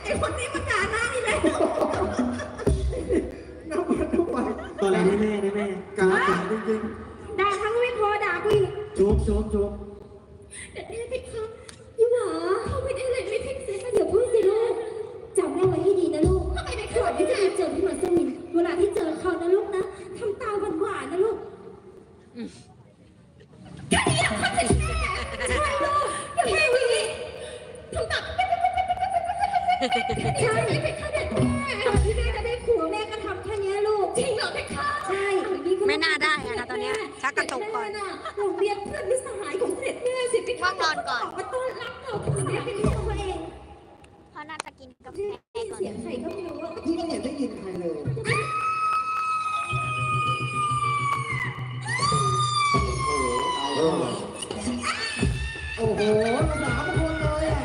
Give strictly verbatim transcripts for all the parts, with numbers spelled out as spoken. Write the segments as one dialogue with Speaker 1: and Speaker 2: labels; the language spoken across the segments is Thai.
Speaker 1: อ้คนนี้มันด่าหน้านี่เลย
Speaker 2: น้ำมันทุกวัน
Speaker 3: ตอนแรกได้แม่ได้แม่
Speaker 2: กาจจริง
Speaker 1: ด่าทั้งไม่พอด่ากูอีก
Speaker 3: จุ๊บจุ๊บจุ๊บ
Speaker 1: เด็ดแม่พี่คะยี่หวาเข้าไปได้เลยไม่พิกเซนเดี๋ยวพูดสิลูกจำแม่ไว้ให้ดีนะลูกทำไมไม่ขอที่จะเจอพี่มัสมินเวลาที่เจอเขานะลูกนะทำตาหวานๆนะลูกแค่นี้นะพ่อจะใช่ลูกอย่าแค่นี้ทำตาใช่ไหมเพคะเด็ดแม่ตอนที่แม่จะได้ผัวแม่ก็ทำแค่นี้ลูกจริงเหรอเพคะใช่
Speaker 4: ไม่น่าได้อะนะตอนเนี้ยชักกระตุกก่อน
Speaker 1: โรงเรียนเพื่อนมิตรสหายของเสด็จแม่สิเพคะ
Speaker 4: ว่างนอนก่อน
Speaker 1: มาต้อนรับเราที่เสด็จเป็นของตัวเอง
Speaker 4: เขาน่าจะกินกาแฟ
Speaker 1: ได้
Speaker 4: ก่อน
Speaker 1: เสียงใครก็ไม่รู้ว่า
Speaker 2: ๆพี่ไม่เห็นได้ยินใครเลยโอ้โหโอ้โหสามคนเลยอ่ะ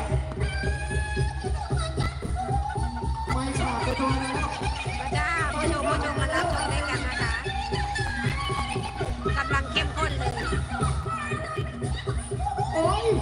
Speaker 2: ไม่ขาดไปตัวแล้ว
Speaker 4: พระเจ้าผู้ชมผู้ชมมารับชมด้วยกันนะคะกำลังเข้มข้นเลย
Speaker 2: โอ้ย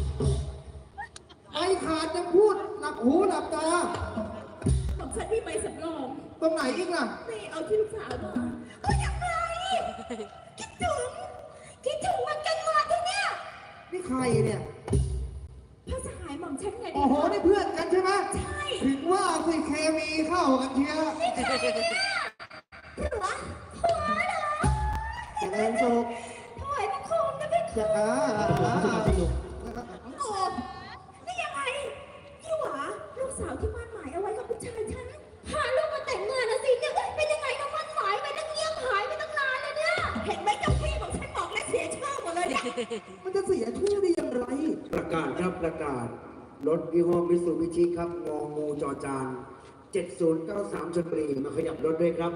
Speaker 2: ไม่ขาดยังพูดหนักหูหนักตา
Speaker 1: ของฉันที่ไปสำรอง
Speaker 2: ตรงไหนอีกล่ะ
Speaker 1: นี่เอาที่ลูกสาวมาก็ยังไงคิดถึงคิดถึงมันกันมาที่เนี่ย
Speaker 2: นี่ใครเนี่ย
Speaker 1: พระสหายหม่อมฉันไง
Speaker 2: โอ้โห นี่เพื่อนกันใช่ไหม
Speaker 1: ใช่
Speaker 2: ถึงว่าสิเคมีเข้ากันเชียว
Speaker 1: ผัวผัวเหรอ
Speaker 2: เจริญสุข
Speaker 1: ถวายบังคมนะพี่
Speaker 2: จะอ่าอ่าอ่า
Speaker 1: โอ้นี่ยังไงยี่หวาลูกสาวที่มั่นหมายเอาไว้กับผู้ชายฉันพาลูกมาแต่งงานนะสิเนี่ยเป็นยังไงน้องมั่นหมายไปตั้งเงียบหายไปตั้งนานแล้วเนี่ยเห็นไหมเจ้าพี่ของฉันบอกแล้วเสียชื่อหมดเลยเนี่ย
Speaker 2: มันจะเสียชื่อได้อย่างไร
Speaker 3: ประกาศครับประกาศรถยี่ห้อมิตซูบิชิครับงองูจอจานเจ็ดศูนย์เก้าสามชลบุรีมาขยับรถด้วยครับ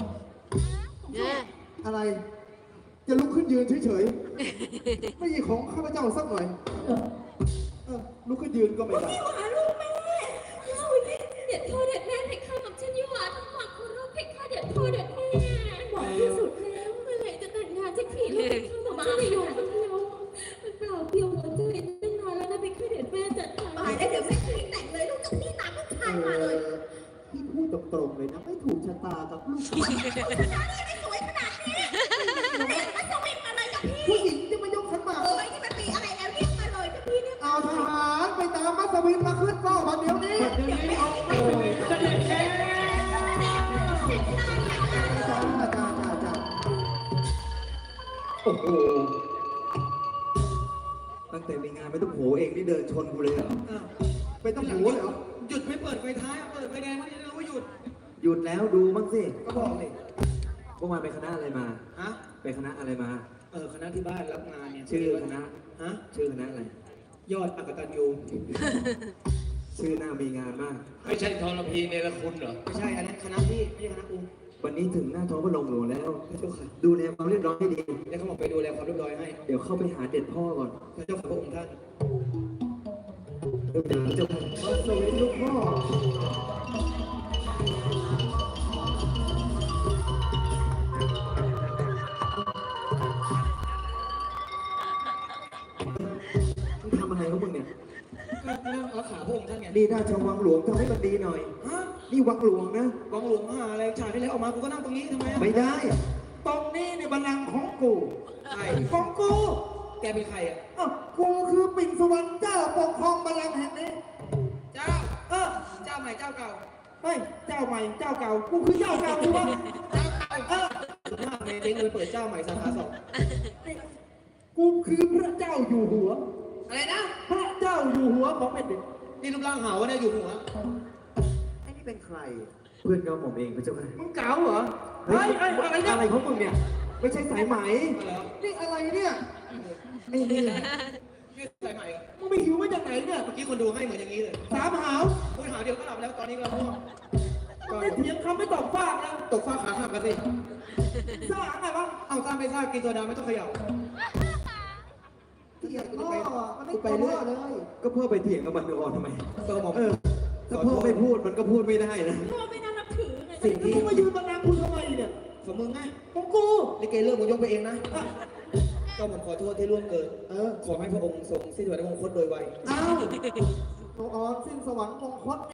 Speaker 2: อะไร จะลุกขึ้นยืนเฉยๆ ไม่ใช่ของข้าพเจ้าสักหน่อยเออลุกขึ้นยืนก็ไม่ได้
Speaker 1: ยี่หวาลูกแม่เล่าสิเด็ดพ่อเด็ดแม่เพคะกับฉันยี่หวาทั้งหมดคุณลูกเพคะเด็ดพ่อเด็ดแม่บอกที่สุดแล้วเมื่อไหร่จะแต่งงานสักทีลูกเพคะบอกจะอยู่คนเดียวมันเปล่าเปลี่ยวหัวใจตั้งนานแล้วนะเพคะเด็ดแม่จัดการตายแล้วเดี๋ยวไม่คืนแต่งเลยลูกจากนี่ตามลูกชายมาเลย
Speaker 2: พี่พูดตรงๆเลยนะ ไม่ถูกชะตากับลูก
Speaker 1: ผู้ชายไม่สวยขนาดนี้เด็กมาสวิงมาเลยกับพี่
Speaker 2: ผู้หญิงจะมายกขันหมาก
Speaker 1: เอ้ยนี่มันมีอะไรแล้วเรียกมาเลยกับพี่เนี่ย
Speaker 2: เอาทหารไปตามมัสวินมาขึ้นเฝ้ามาเดี๋ยวนี้จ้าจ้าจ้าจ้า
Speaker 3: โอ้โหตั้งแต่มีงานไม่ต้องโหเองนี่เดินชนกูเลยเหรอ
Speaker 2: ไปต้องหูเหรอ
Speaker 5: หยุดไม่เปิดไฟท้ายเปิดไฟแดงไม่ได้รู้ว่าหยุด
Speaker 3: หยุดแล้วดูบ้างสิ
Speaker 5: ก็บอกเลย
Speaker 3: เมื่อวานไปคณะอะไรมา
Speaker 5: ฮะ
Speaker 3: ไปคณะอะไรมา
Speaker 5: เออคณะที่บ้านรับงานเนี่ย
Speaker 3: ชื่อคณะ
Speaker 5: ฮะ
Speaker 3: ชื่อคณะอะไร
Speaker 5: ยอดอักตันยู
Speaker 3: ชื่อหน้ามีงานมาก
Speaker 6: ไม่ใช่ทรพีเนรคุณเหรอ
Speaker 5: ไม่ใช่อันนั้นคณะพี่ไม่ใช่คณะกู
Speaker 3: วันนี้ถึงหน้าท้องพระโรงหลวงแล้ว
Speaker 5: พระเจ้าค่ะ
Speaker 3: ดูแลความเรียบร้อยให้ดี
Speaker 5: แล้วเขาบอกไปดูแลความเรียบร้อยให้
Speaker 3: เดี๋ยวเข้าไปหาเด็ดพ่อก่อน
Speaker 5: พระเจ้าค่ะพระองค์ท่าน
Speaker 3: เดี๋ยวเดี๋ยวจะ
Speaker 2: มัสวินลูกพ่อ
Speaker 3: มึงทำอะไรของมึงเนี่ย
Speaker 5: เรื่องรักษาพระองค์ท่านไง
Speaker 3: นี่ราชวังหลวงทำให้มันดีหน่อย
Speaker 5: ฮะ
Speaker 3: นี่วังหลวงนะ
Speaker 5: วังหลวงมหาอะไรฉากที่แล้วออกมากูก็นั่งตรงนี้ทำไมอะ
Speaker 3: ไม่ได้
Speaker 2: ตรงนี้ในบัลลังก์ของกู
Speaker 5: ใช่
Speaker 2: ของกู
Speaker 5: แกเป็นใครอ่ะ
Speaker 2: อ้าวกูคือปิ่นสวรรค์เจ้าปกครองบัลลังก์แห่งนี้
Speaker 5: เจ้า
Speaker 2: เออ
Speaker 5: เจ้าใหม่เจ้าเก่า
Speaker 2: เฮ้ย เจ้าใหม่ เจ้าเก่า กูคือเจ้าเก่าใช่ไหม
Speaker 5: เจ้าเก่าเออสุดมากเลยเจ๊งเลยเปิดเจ้าใหม่สาขาสอง
Speaker 2: กูคือพระเจ้าอยู่หัว
Speaker 5: อะไรนะ
Speaker 2: พระเจ้าอยู่หัวของแผ่นดิน
Speaker 5: นี่รูปร่างเหาวะเนี่ยอยู่หัว
Speaker 2: ไอ้นี่เป็นใคร
Speaker 3: เพื่อนเราผมเองพระเจ้าค่ะ
Speaker 2: มึงเก๋าเหรอ เฮ้ยเฮ้ยอะไรเนี่ย
Speaker 3: อะไรของมึงเนี่ย ไม่ใช่สายไหม
Speaker 5: เหรอ
Speaker 2: นี่อะไรเนี่ย ไอ้นี่
Speaker 5: นี่ใส่ใหม่เหรอ
Speaker 2: มึงไปหิวมาจากไหนเนี่ย
Speaker 5: เมื่อกี้คนดูให้เหมือนอย่างนี้เลย
Speaker 2: สามหาว
Speaker 5: คุยหาเดียวก็หลับแล้วตอนนี้ก็ง่วง
Speaker 2: มึงได้เถียงคำไม่ตอบฟากนะ
Speaker 5: ตกฟ้าขาหักกันสิ
Speaker 2: สร้างอะไรวะ
Speaker 5: เอาตามไปทราบกินตัวดำไม่ต้องเขย่า
Speaker 2: เถียงพ่อมันไม่ไปเรื่อยเลย
Speaker 3: ก็เพื่อไปเถียงกับมันก่อนทำไม
Speaker 5: เติมหมอ
Speaker 3: เออ ถ้าพ่อไม่พูดมันก็พูดไม่ได้นะ
Speaker 1: พ่อไม่น่านับถือไง
Speaker 5: สิ่ง
Speaker 2: มึ
Speaker 5: ที่
Speaker 2: งมายืนบัลลังก์กูทำไมเนี่ย
Speaker 5: ของมึงไง
Speaker 2: ของกู
Speaker 5: ลิเกเลิกมึงยกไปเองนะก็ผมขอโทษที่ล่วงเกิน
Speaker 2: เออ
Speaker 5: ขอให้พระองค์ทรงสิ้นสุดในมงคลโดยไว
Speaker 2: อ้าวตัวอ่อนสิ้นสวรรค์มงคล